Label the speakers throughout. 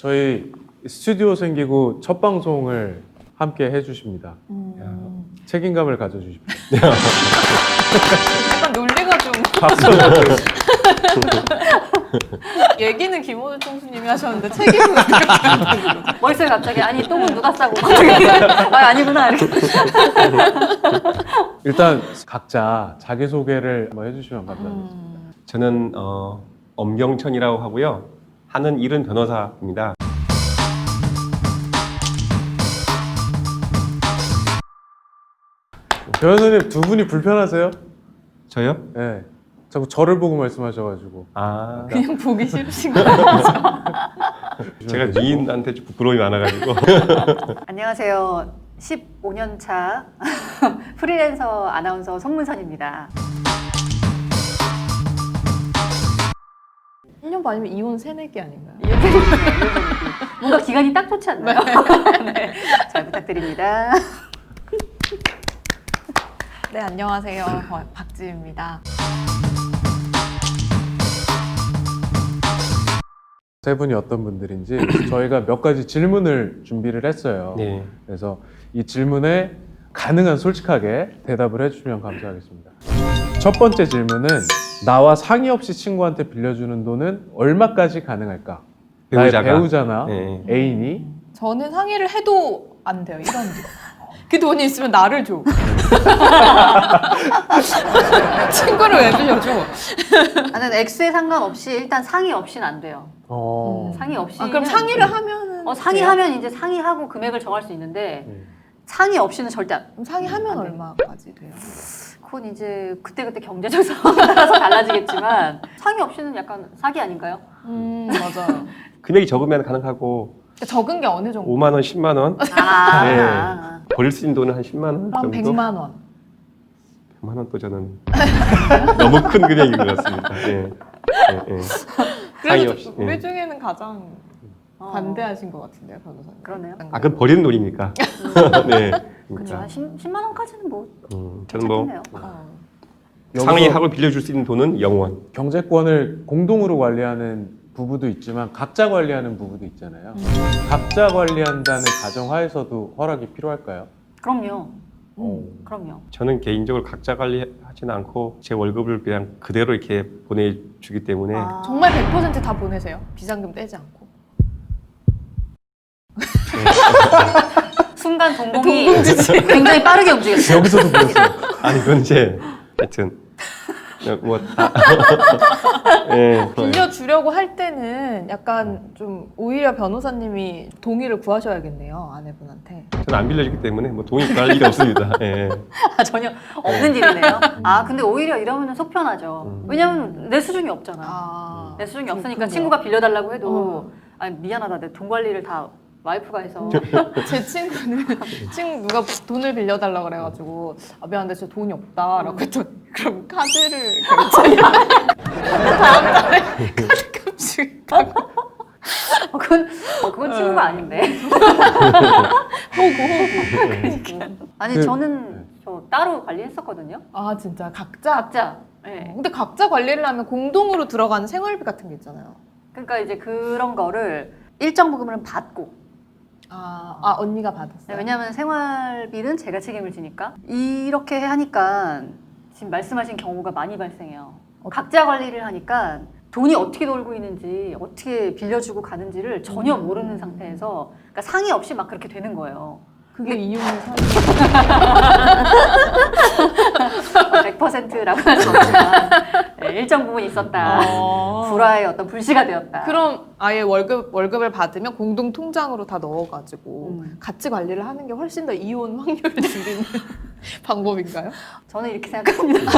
Speaker 1: 저희 스튜디오 생기고 첫 방송을 함께 해주십니다. 책임감을 가져주십시오.
Speaker 2: 약간 논리가 좀
Speaker 1: 박수.
Speaker 2: 얘기는 김호준 총수님이 하셨는데 책임은 어떻게
Speaker 3: 머릿속에 갑자기 아니 똥은 누가 싸고 아 아니구나 이렇게.
Speaker 1: 일단 각자 자기소개를 한번 해주시면 감사하겠습니다.
Speaker 4: 저는 엄경천이라고 하고요. 하는 일은 변호사입니다.
Speaker 1: 변호사님 두 분이 불편하세요?
Speaker 4: 저요?
Speaker 1: 네. 자꾸 저를 보고 말씀하셔가지고.
Speaker 4: 아,
Speaker 2: 그냥 보기 싫으신 거 아니죠?
Speaker 4: 제가 미인한테 좀 부끄러움이 많아가지고.
Speaker 3: 안녕하세요. 15년 차 프리랜서 아나운서 송문선입니다.
Speaker 2: 1년 반이면 이혼 새내기 아닌가요?
Speaker 3: 뭔가 기간이 딱 좋지 않나요? 네. 잘 부탁드립니다.
Speaker 2: 네, 안녕하세요. 박지입니다.
Speaker 1: 세 분이 어떤 분들인지 저희가 몇 가지 질문을 준비를 했어요.
Speaker 4: 네.
Speaker 1: 그래서 이 질문에 가능한 솔직하게 대답을 해주시면 감사하겠습니다. 첫 번째 질문은 나와 상의 없이 친구한테 빌려주는 돈은 얼마까지 가능할까?
Speaker 4: 배우자가.
Speaker 1: 나의 배우자나
Speaker 4: 네.
Speaker 1: 애인이
Speaker 2: 저는 상의를 해도 안 돼요. 이런 그 돈이 있으면 나를 줘. 친구를 왜 빌려줘?
Speaker 3: 나는 액수에 상관없이 일단 상의 없이는 안 돼요. 상의 없이.
Speaker 2: 그럼 상의를 하면은
Speaker 3: 상의하면 이제 상의하고 금액을 정할 수 있는데 상의 없이는 절대 안.
Speaker 2: 그럼 상의하면
Speaker 3: 안 돼.
Speaker 2: 얼마까지 돼요?
Speaker 3: 그건 이제 그때그때 경제적 상황에 따라서 달라지겠지만 상의 없이는 약간 사기 아닌가요?
Speaker 2: 맞아요.
Speaker 4: 금액이 적으면 가능하고
Speaker 2: 적은 게 어느 정도?
Speaker 4: 5만 원, 10만 원.
Speaker 3: 아.
Speaker 4: 벌 수 있는 돈은 한 10만 원
Speaker 2: 한
Speaker 4: 정도.
Speaker 2: 100만 원.
Speaker 4: 100만 원 또 저는 너무 큰 금액인 것 같습니다. 예. 예, 예. 상의
Speaker 2: 그래도
Speaker 4: 없이.
Speaker 2: 우리
Speaker 4: 예.
Speaker 2: 중에는 가장
Speaker 3: 어.
Speaker 2: 반대하신 것 같은데요, 변호사님.
Speaker 3: 그러네요.
Speaker 4: 아, 그건 버리는 돈이니까. 네.
Speaker 3: 그렇죠. 한 10만 원까지는 뭐
Speaker 4: 저는 뭐
Speaker 3: 괜찮겠네요.
Speaker 4: 상의하고 빌려줄 수 있는 돈은 0원.
Speaker 1: 경제권을 공동으로 관리하는 부부도 있지만 각자 관리하는 부부도 있잖아요. 각자 관리한다는 가정하에서도 허락이 필요할까요?
Speaker 3: 그럼요. 그럼요.
Speaker 4: 저는 개인적으로 각자 관리하지는 않고 제 월급을 그냥 그대로 이렇게 보내주기 때문에
Speaker 3: 아.
Speaker 2: 정말 100%다 보내세요? 비상금 떼지 않고.
Speaker 3: 순간 동공이 굉장히 빠르게 움직였어요.
Speaker 1: 여기서도 보였어요.
Speaker 4: 아니 그건 이제 하여튼 뭐 다. 예.
Speaker 2: 빌려주려고 할 때는 약간 좀 오히려 변호사님이 동의를 구하셔야겠네요, 아내분한테.
Speaker 4: 저는 안 빌려주기 때문에 뭐 돈이 구할 일이 없습니다. 예.
Speaker 3: 전혀 없는 일이네요. 아 근데 오히려 이러면 속 편하죠. 왜냐면 내 수중이 없잖아.
Speaker 2: 아,
Speaker 3: 내 수중이 없으니까
Speaker 2: 그렇군요.
Speaker 3: 친구가 빌려달라고 해도 아니 미안하다 내 돈 관리를 다 와이프가 해서
Speaker 2: 제 친구는 누가 돈을 빌려달라 그래가지고 아 미안한데 저 돈이 없다라고 했더니 그럼 카드를 결제해. 다음 달에 카드값을
Speaker 3: 그건 친구가 아닌데.
Speaker 2: 호구.
Speaker 3: 아니
Speaker 1: 그-
Speaker 3: 저는 저 따로 관리했었거든요.
Speaker 2: 아 진짜 각자.
Speaker 3: 각자. 네.
Speaker 2: 근데 각자 관리를 하면 공동으로 들어가는 생활비 같은 게 있잖아요.
Speaker 3: 그러니까 이제 그런 거를 일정 부분은 받고.
Speaker 2: 언니가 받았어요.
Speaker 3: 네, 왜냐하면 생활비는 제가 책임을 지니까 이렇게 하니까 지금 말씀하신 경우가 많이 발생해요. 각자 관리를 하니까 돈이 어떻게 돌고 있는지 어떻게 빌려주고 가는지를 전혀 모르는 상태에서 그러니까 상의 없이 막 그렇게 되는 거예요.
Speaker 2: 그게 이혼의 사유.
Speaker 3: 100%라고 할 수 없지만 네, 일정 부분 있었다. 불화의 어떤 불씨가 되었다.
Speaker 2: 그럼 아예 월급을 받으면 공동 통장으로 다 넣어가지고 같이 관리를 하는 게 훨씬 더 이혼 확률을 줄이는 방법인가요?
Speaker 3: 저는 이렇게 생각합니다.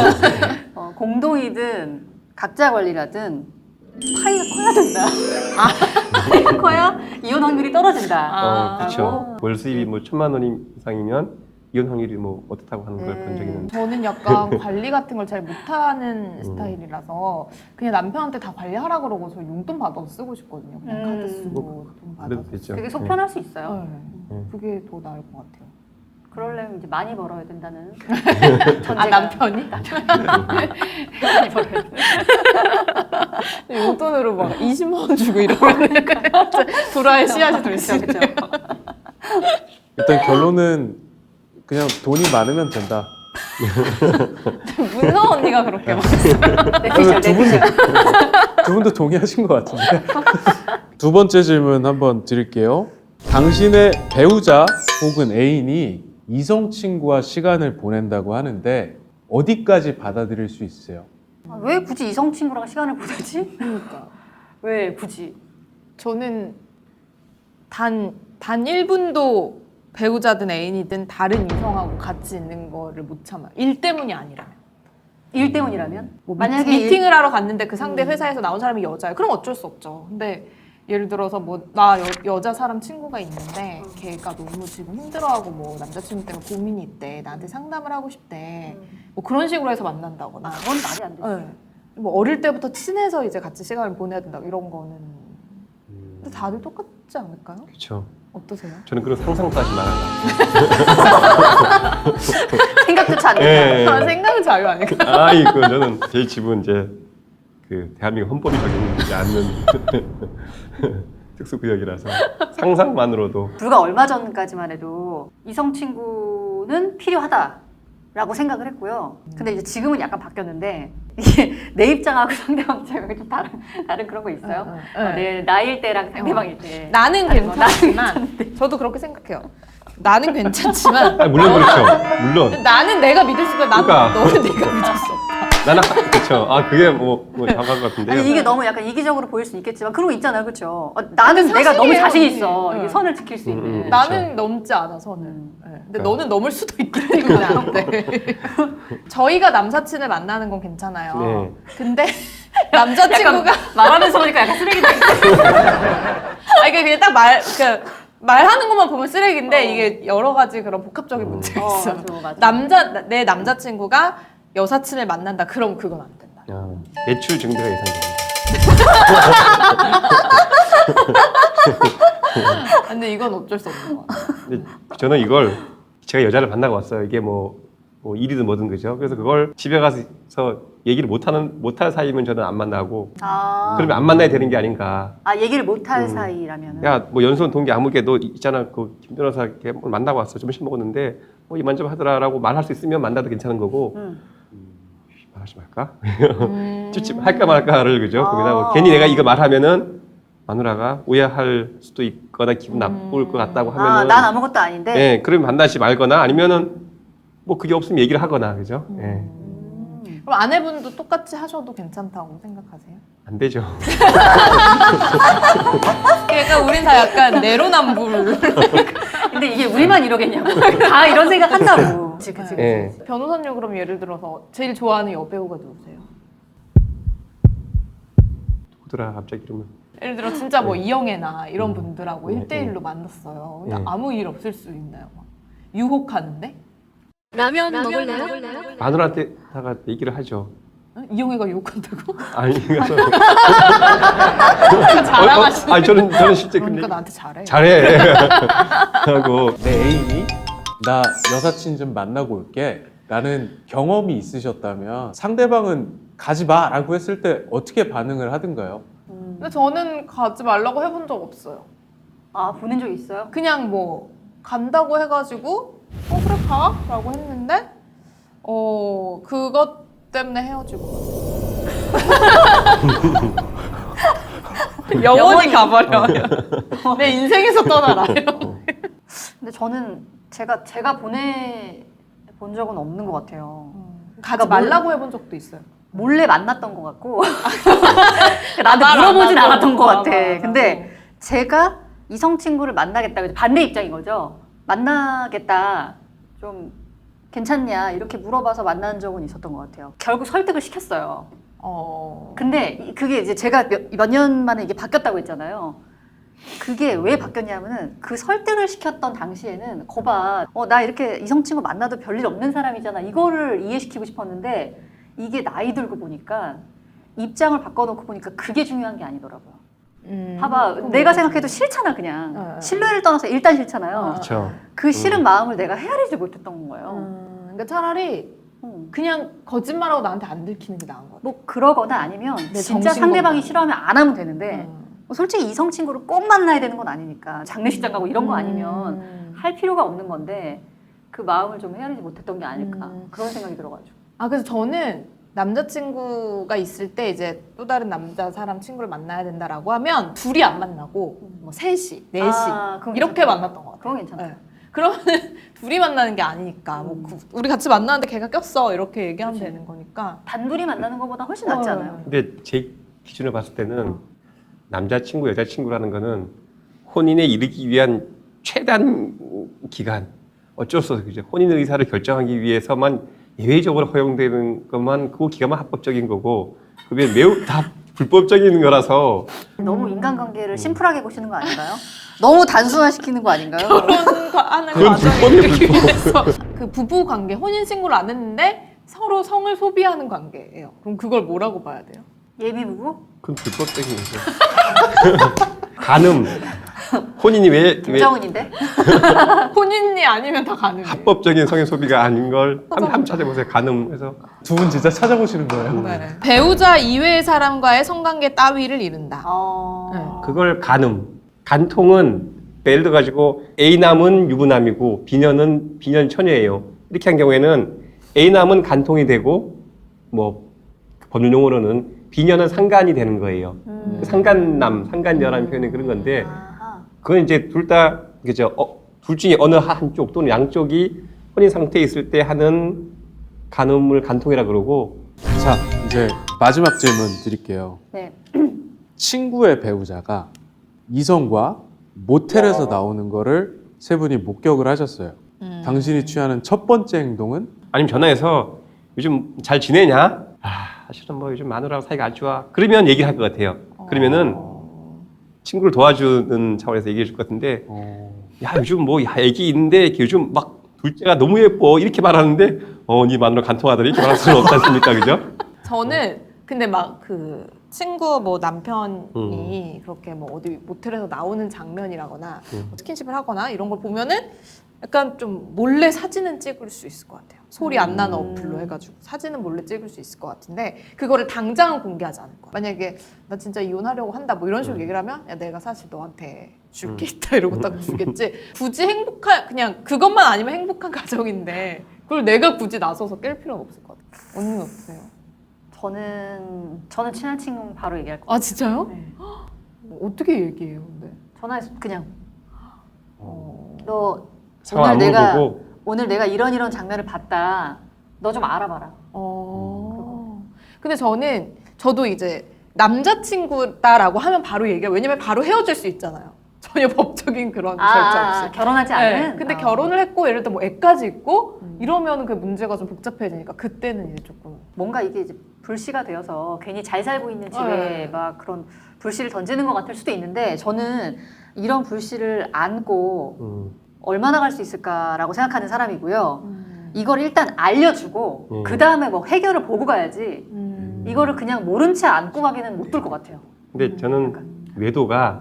Speaker 3: 공동이든 각자 관리라든 파이가 커야 된다. 파이가 커야 이혼 확률이 떨어진다.
Speaker 4: 그렇죠. 월 수입이 뭐 1,000만 원 이상이면 이혼 확률이 뭐 어떻다고 하는 걸 본 적이 있는데.
Speaker 2: 저는 약간 관리 같은 걸 잘 못하는 스타일이라서 그냥 남편한테 다 관리하라 그러고 저 용돈 받아서 쓰고 싶거든요. 그냥 카드 쓰고 돈
Speaker 4: 그래도
Speaker 2: 받아서.
Speaker 4: 되죠.
Speaker 3: 그게 속 편할 수 있어요.
Speaker 2: 네. 그게 더 나을 것 같아요.
Speaker 3: 그러려면 이제 많이 벌어야 된다는.
Speaker 2: 아 남편이?
Speaker 3: 많이 벌어야 돼.
Speaker 2: 용돈으로 막 20만 원 주고 이러면 불화의 씨앗이 될 수
Speaker 3: 그렇죠.
Speaker 2: 있죠.
Speaker 1: 일단 결론은 그냥 돈이 많으면 된다.
Speaker 2: 문서 언니가 그렇게 막.
Speaker 3: 내피셜, 내피셜.
Speaker 1: 두 분도 동의하신 것 같은데. 두 번째 질문 한번 드릴게요. 당신의 배우자 혹은 애인이 이성 친구와 시간을 보낸다고 하는데 어디까지 받아들일 수 있어요?
Speaker 3: 아, 왜 굳이 이성 친구랑 시간을 보내지?
Speaker 2: 그러니까
Speaker 3: 왜 굳이?
Speaker 2: 저는 단 1분도 배우자든 애인이든 다른 이성하고 같이 있는 거를 못 참아요. 일 때문이 아니라면.
Speaker 3: 일 때문이라면?
Speaker 2: 뭐
Speaker 3: 만약에
Speaker 2: 미팅을 하러 갔는데 그 상대 회사에서 나온 사람이 여자예요. 그럼 어쩔 수 없죠. 근데 예를 들어서 뭐 나 여자 사람 친구가 있는데 걔가 너무 지금 힘들어하고 뭐 남자친구 때문에 고민이 있대. 나한테 상담을 하고 싶대. 뭐 그런 식으로 해서 만난다거나.
Speaker 3: 그건 말이 안 되지.
Speaker 2: 네. 뭐 어릴 때부터 친해서 이제 같이 시간을 보내야 된다 이런 거는. 근데 다들 똑같지 않을까요?
Speaker 4: 그렇죠.
Speaker 2: 어떠세요?
Speaker 4: 저는 그런 상상까지 말한다.
Speaker 3: 생각조차 안 된다.
Speaker 4: 예.
Speaker 2: 생각은 자유 아닐까?
Speaker 4: 아이고 저는 제 집은 이제 그 대한민국 헌법이 적용되지 않는 특수구역이라서 상상만으로도
Speaker 3: 불과 얼마 전까지만 해도 이성 친구는 필요하다라고 생각을 했고요. 근데 이제 지금은 약간 바뀌었는데 이게 내 입장하고 상대방 입장이 좀 다른 그런 거 있어요. 내 나이일 때랑 상대방일 때.
Speaker 2: 나는
Speaker 3: 다른 거,
Speaker 2: 괜찮지만 저도 그렇게 생각해요. 나는 괜찮지만
Speaker 4: 아니, 물론 그렇죠. 물론
Speaker 2: 나는 내가 믿을 수 있고 나는
Speaker 4: 그러니까.
Speaker 2: 너는 내가 믿을 수 없다.
Speaker 4: 나는 그렇죠. 아 그게 뭐 정확한 것 같은데요.
Speaker 3: 아니 이게 너무 약간 이기적으로 보일 수 있겠지만 그런 거 있잖아요, 그렇죠? 나는 내가 너무
Speaker 2: 사실이에요,
Speaker 3: 자신
Speaker 2: 이게.
Speaker 3: 있어. 이게
Speaker 2: 응.
Speaker 3: 선을 지킬 수 있는.
Speaker 4: 그렇죠.
Speaker 2: 나는 넘지 않아 선을. 네. 근데
Speaker 4: 그러니까.
Speaker 2: 너는 넘을 수도 있기 때문에 안 돼. 저희가 남사친을 만나는 건 괜찮아요.
Speaker 4: 네.
Speaker 2: 근데 남자친구가
Speaker 3: 말하면서 보니까 약간 쓰레기다.
Speaker 2: 아 이게 그냥 딱 말하는 것만 보면 쓰레기인데 이게 여러 가지 그런 복합적인 문제가 있어.
Speaker 3: 맞아.
Speaker 2: 내 남자친구가 여사친을 만난다. 그럼 그건 안 된다.
Speaker 4: 매출 증대가 예상됩니다.
Speaker 2: 근데 이건 어쩔 수 없는 것 같아요.
Speaker 4: 근데 저는 이걸 제가 여자를 만나고 왔어요. 이게 뭐 일이든 뭐든 그죠. 그래서 그걸 집에 가서 얘기를 못할 사이면 저는 안 만나고 그러면 안 만나야 되는 게 아닌가.
Speaker 3: 얘기를 못할 사이라면은.
Speaker 4: 야, 뭐 연수원 동기 아무개도 있잖아. 그 김 변호사 걔 만나고 왔어. 점심 먹었는데 뭐 이만저만 하더라라고 말할 수 있으면 만나도 괜찮은 거고. 말하지 말까? 할까 말까를 그죠 고민하고 괜히 내가 이거 말하면은 마누라가 오해할 수도 있거나 기분 나쁠 것 같다고 하면은
Speaker 3: 난 아무것도 아닌데.
Speaker 4: 네, 그러면 만나지 말거나 아니면은 뭐 그게 없으면 얘기를 하거나 그죠? 예.
Speaker 2: 그럼 아내분도 똑같이 하셔도 괜찮다고 생각하세요?
Speaker 4: 안 되죠.
Speaker 2: 그러니까 우린 다 약간 내로남불.
Speaker 3: 근데 이게 우리만 이러겠냐고. 다 이런 생각 한다고. 그치.
Speaker 4: 예.
Speaker 2: 변호사님 그럼 예를 들어서 제일 좋아하는 여배우가 누구세요?
Speaker 4: 누구더라 갑자기 이러면
Speaker 2: 예를 들어 진짜 뭐 이영애나 이런 분들하고
Speaker 4: 네,
Speaker 2: 1대1로 만났어요. 근데
Speaker 4: 네.
Speaker 2: 아무 일 없을 수 있나요? 막 유혹하는데?
Speaker 5: 라면 먹을래요?
Speaker 4: 마누라한테다가 얘기를 하죠.
Speaker 2: 어? 이영애가 유혹한다고?
Speaker 4: 아니 그래서
Speaker 2: 자랑하시네.
Speaker 4: 아니 저는 실제
Speaker 2: 그러니까
Speaker 4: 근데
Speaker 2: 나한테 잘해.
Speaker 4: 잘해 하고
Speaker 1: 내 애인이 나 여사친 좀 만나고 올게 라는 경험이 있으셨다면 상대방은 가지 마라고 했을 때 어떻게 반응을 하든가요?
Speaker 2: 근데 저는 가지 말라고 해본 적 없어요.
Speaker 3: 보낸 적 있어요?
Speaker 2: 그냥 뭐 간다고 해가지고 그래 가? 라고 했는데 그것 때문에 헤어지고 영원히 가버려. 내 인생에서 떠나라.
Speaker 3: 근데 저는 제가 보내본 적은 없는 것 같아요.
Speaker 2: 가지 말라고 해본 적도 있어요.
Speaker 3: 몰래 만났던 것 같고 나한테
Speaker 2: 말 안
Speaker 3: 물어보진
Speaker 2: 하고.
Speaker 3: 않았던 것 같아.
Speaker 2: 말 안 하고.
Speaker 3: 근데 제가 이성 친구를 만나겠다. 반대 입장인 거죠. 만나겠다. 좀 괜찮냐 이렇게 물어봐서 만난 적은 있었던 것 같아요. 결국 설득을 시켰어요. 근데 그게 이제 제가 몇 년 만에 이게 바뀌었다고 했잖아요. 그게 왜 바뀌었냐면은 그 설득을 시켰던 당시에는 거봐 나 이렇게 이성 친구 만나도 별일 없는 사람이잖아 이거를 이해시키고 싶었는데 이게 나이 들고 보니까 입장을 바꿔놓고 보니까 그게 중요한 게 아니더라고요. 봐봐, 내가 생각해도 싫잖아 그냥. 신뢰를 떠나서 일단 싫잖아요.
Speaker 4: 그렇죠.
Speaker 3: 그 싫은 마음을 내가 헤아리지 못했던 거예요.
Speaker 2: 그러니까 차라리 그냥 거짓말하고 나한테 안 들키는 게 나은 것 같아.
Speaker 3: 뭐 그러거나 아니면
Speaker 2: 내
Speaker 3: 진짜
Speaker 2: 정신
Speaker 3: 상대방이
Speaker 2: 건강.
Speaker 3: 싫어하면 안 하면 되는데 뭐 솔직히 이성 친구를 꼭 만나야 되는 건 아니니까 장례식장 가고 이런 거 아니면 할 필요가 없는 건데 그 마음을 좀 헤아리지 못했던 게 아닐까 그런 생각이 들어가지고.
Speaker 2: 아 그래서 저는 남자친구가 있을 때 이제 또 다른 남자 사람 친구를 만나야 된다라고 하면 둘이 안 만나고 뭐 셋이, 넷이
Speaker 3: 그건
Speaker 2: 이렇게
Speaker 3: 괜찮다.
Speaker 2: 만났던 것 같아요.
Speaker 3: 그건 괜찮다.
Speaker 2: 네. 그러면 둘이 만나는 게 아니니까 뭐 우리 같이 만나는데 걔가 꼈어 이렇게 얘기하면
Speaker 3: 그치.
Speaker 2: 되는 거니까.
Speaker 3: 단둘이 만나는 것보다 훨씬 낫지 않아요?
Speaker 4: 근데 제 기준으로 봤을 때는 남자친구, 여자친구라는 거는 혼인에 이르기 위한 최단 기간, 어쩔 수 없어. 그죠? 혼인 의사를 결정하기 위해서만 예외적으로 허용되는 것만 그 기간만 합법적인 거고 그게 매우 다 불법적인 거라서
Speaker 3: 너무 인간관계를 심플하게 보시는 거 아닌가요? 너무 단순화시키는 거 아닌가요?
Speaker 2: 결혼하는
Speaker 4: 그건
Speaker 2: 과정을
Speaker 4: 불법이에요,
Speaker 2: 이렇게
Speaker 4: 불법.
Speaker 2: 위해서 그 부부 관계, 혼인 신고를 안 했는데 서로 성을 소비하는 관계예요. 그럼 그걸 뭐라고 봐야 돼요?
Speaker 3: 예비 부부?
Speaker 4: 그건 불법적인 거죠. 간음, 혼인이 왜
Speaker 3: 김정은인데?
Speaker 2: 혼인이 아니면 다 가능해요.
Speaker 4: 합법적인 성의 소비가 아닌 걸 한번 찾아보세요. 간음해서.
Speaker 1: 두 분 진짜 찾아보시는 거예요?
Speaker 2: 네. 배우자 이외의 사람과의 성관계 따위를 이른다.
Speaker 4: 그걸 간음. 간통은 예를 들어 가지고 A남은 유부남이고 B녀는 B년 처녀예요. 이렇게 한 경우에는 A남은 간통이 되고 뭐 법률 용어로는 B녀는 상간이 되는 거예요. 상간남, 상간녀라는 표현이 그런 건데 그건 이제 둘 다 그죠? 둘 중에 어느 한쪽 또는 양쪽이 혼인 상태에 있을 때 하는 간음을 간통이라 그러고.
Speaker 1: 자, 이제 마지막 질문 드릴게요.
Speaker 3: 네.
Speaker 1: 친구의 배우자가 이성과 모텔에서 나오는 거를 세 분이 목격을 하셨어요. 당신이 취하는 첫 번째 행동은?
Speaker 4: 아니면 전화해서 요즘 잘 지내냐? 사실은 뭐 요즘 마누라랑 사이가 안 좋아. 그러면 얘기할 것 같아요. 그러면은 친구를 도와주는 차원에서 얘기해 줄 것 같은데, 야 요즘 뭐 야 애기 있는데 요즘 막 둘째가 너무 예뻐 이렇게 말하는데, 네 마누라 간통하더니 이렇게 말할 수는 없지 않습니까, 그죠?
Speaker 2: 저는 근데 막 그 친구 뭐 남편이 그렇게 뭐 어디 모텔에서 나오는 장면이라거나 뭐 스킨십을 하거나 이런 걸 보면은 약간 좀 몰래 사진은 찍을 수 있을 것 같아요. 소리 안 나는 어플로 해가지고 사진은 몰래 찍을 수 있을 것 같은데 그거를 당장은 공개하지 않을 거야. 만약에 나 진짜 이혼하려고 한다 뭐 이런 식으로 얘기를 하면 야 내가 사실 너한테 줄 게 있다 이러고 딱 주겠지. 굳이 그냥 그것만 아니면 행복한 가정인데 그걸 내가 굳이 나서서 깰 필요는 없을 것 같아요. 언니는 어떠세요?
Speaker 3: 저는 친한 친구는 바로 얘기할 거예요.
Speaker 2: 아 진짜요?
Speaker 3: 네.
Speaker 2: 어떻게 얘기해요? 근데
Speaker 3: 전화해서 그냥 너
Speaker 4: 상황 안 물어보고.
Speaker 3: 오늘 내가 이런 장면을 봤다. 너 좀 알아봐라.
Speaker 2: 근데 저도 이제 남자친구다라고 하면 바로 얘기해요. 왜냐면 바로 헤어질 수 있잖아요. 전혀 법적인 그런 절차 없이.
Speaker 3: 결혼하지
Speaker 2: 네.
Speaker 3: 않은?
Speaker 2: 근데 결혼을 했고 예를 들어 뭐 애까지 있고 이러면 그 문제가 좀 복잡해지니까 그때는 이제 조금
Speaker 3: 뭔가 이게 이제 불씨가 되어서 괜히 잘 살고 있는 집에
Speaker 2: 네.
Speaker 3: 막 그런 불씨를 던지는 것 같을 수도 있는데 저는 이런 불씨를 안고 얼마나 갈 수 있을까라고 생각하는 사람이고요. 이걸 일단 알려주고 그 다음에 뭐 해결을 보고 가야지 이거를 그냥 모른 채 안고 가기는 못 들 것 같아요.
Speaker 4: 근데 저는 외도가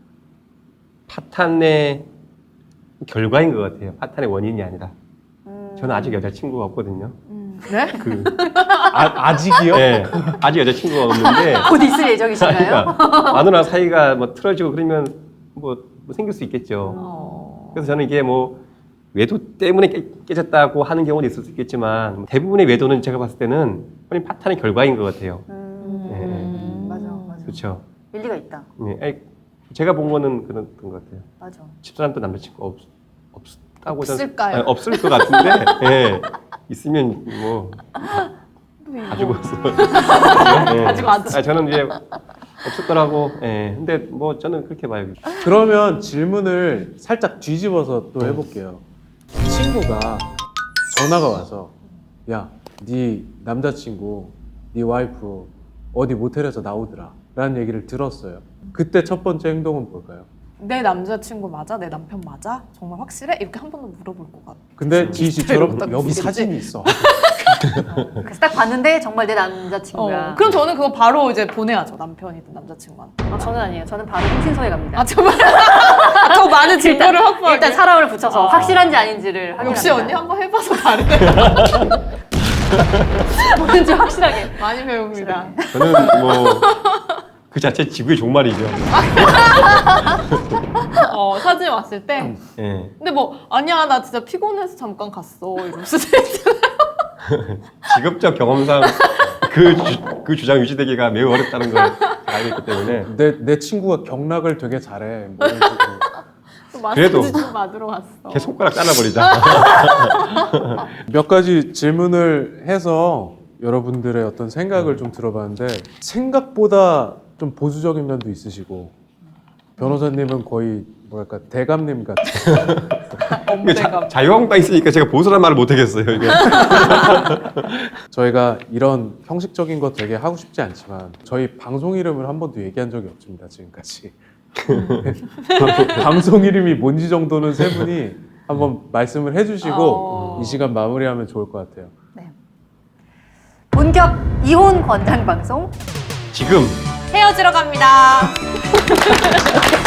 Speaker 4: 파탄의 결과인 것 같아요. 파탄의 원인이 아니라. 저는 아직 여자친구가 없거든요.
Speaker 2: 네?
Speaker 1: 아직이요?
Speaker 4: 네, 아직 여자친구가 없는데.
Speaker 3: 곧 있을 예정이신가요?
Speaker 4: 그러니까 마누라 사이가 뭐 틀어지고 그러면 뭐 생길 수 있겠죠. 그래서 저는 이게 뭐 외도 때문에 깨졌다고 하는 경우는 있을 수 있겠지만 대부분의 외도는 제가 봤을 때는 혼인 파탄의 결과인 것 같아요.
Speaker 3: 맞아.
Speaker 4: 그렇죠.
Speaker 3: 일리가 있다.
Speaker 4: 네, 아니, 제가 본 거는 그런 것 같아요.
Speaker 3: 맞아.
Speaker 4: 집사람도 남자친구 없다고
Speaker 2: 없을까요?
Speaker 4: 아니, 없을 것 같은데 예, 있으면 뭐 가지고 있어.
Speaker 2: 가지고 왔지.
Speaker 4: 저는 이제 없을 거라고. 예. 근데 뭐 저는 그렇게 봐요.
Speaker 1: 그러면 질문을 살짝 뒤집어서 또 해볼게요. 친구가 전화가 와서 야, 네 남자친구, 네 와이프 어디 모텔에서 나오더라 라는 얘기를 들었어요. 그때 첫 번째 행동은 뭘까요?
Speaker 2: 내 남자친구 맞아? 내 남편 맞아? 정말 확실해? 이렇게 한 번 더 물어볼 것 같아.
Speaker 1: 근데 지희 씨처럼
Speaker 2: 딱
Speaker 1: 여기
Speaker 2: 보겠지?
Speaker 1: 사진이 있어.
Speaker 3: 그래서 딱 봤는데 정말 내 남자친구야.
Speaker 2: 그럼 저는 그거 바로 이제 보내야죠. 남편이든 남자친구한테.
Speaker 3: 저는 아니에요. 저는 바로 흥신소에 갑니다.
Speaker 2: 아 정말 더 많은 증거를 확보하게.
Speaker 3: 일단 사람을 붙여서 확실한지 아닌지를 확인합니다.
Speaker 2: 역시 언니 한번 해봐서 다르네.
Speaker 3: 뭔지 확실하게.
Speaker 2: 많이 배웁니다.
Speaker 4: 저는 뭐 그 자체 지구의 종말이죠.
Speaker 2: 사진 왔을 때.
Speaker 4: 예.
Speaker 2: 근데 뭐 아니야 나 진짜 피곤해서 잠깐 갔어 이럴 수도 있잖아요.
Speaker 4: 직업적 경험상 그 주장 유지되기가 매우 어렵다는 걸 알고 있기 때문에
Speaker 1: 내 친구가 경락을 되게 잘해. 뭐 이런 식으로.
Speaker 4: 그래도
Speaker 2: 마사지 좀 받으러 갔어.
Speaker 4: 걔 손가락 잘라버리자.
Speaker 1: 몇 가지 질문을 해서 여러분들의 어떤 생각을 좀 들어봤는데 생각보다 좀 보수적인 면도 있으시고 변호사님은 거의 뭐랄까 대감님 같은.
Speaker 4: 이게 자유한국당 있으니까 제가 보수란 말을 못 하겠어요. 이게.
Speaker 1: 저희가 이런 형식적인 거 되게 하고 싶지 않지만 저희 방송 이름을 한 번도 얘기한 적이 없습니다 지금까지. 방송 이름이 뭔지 정도는 세 분이 한번 말씀을 해주시고 이 시간 마무리하면 좋을 것 같아요.
Speaker 3: 본격 이혼 권장 방송
Speaker 4: 지금
Speaker 2: 헤어지러 갑니다.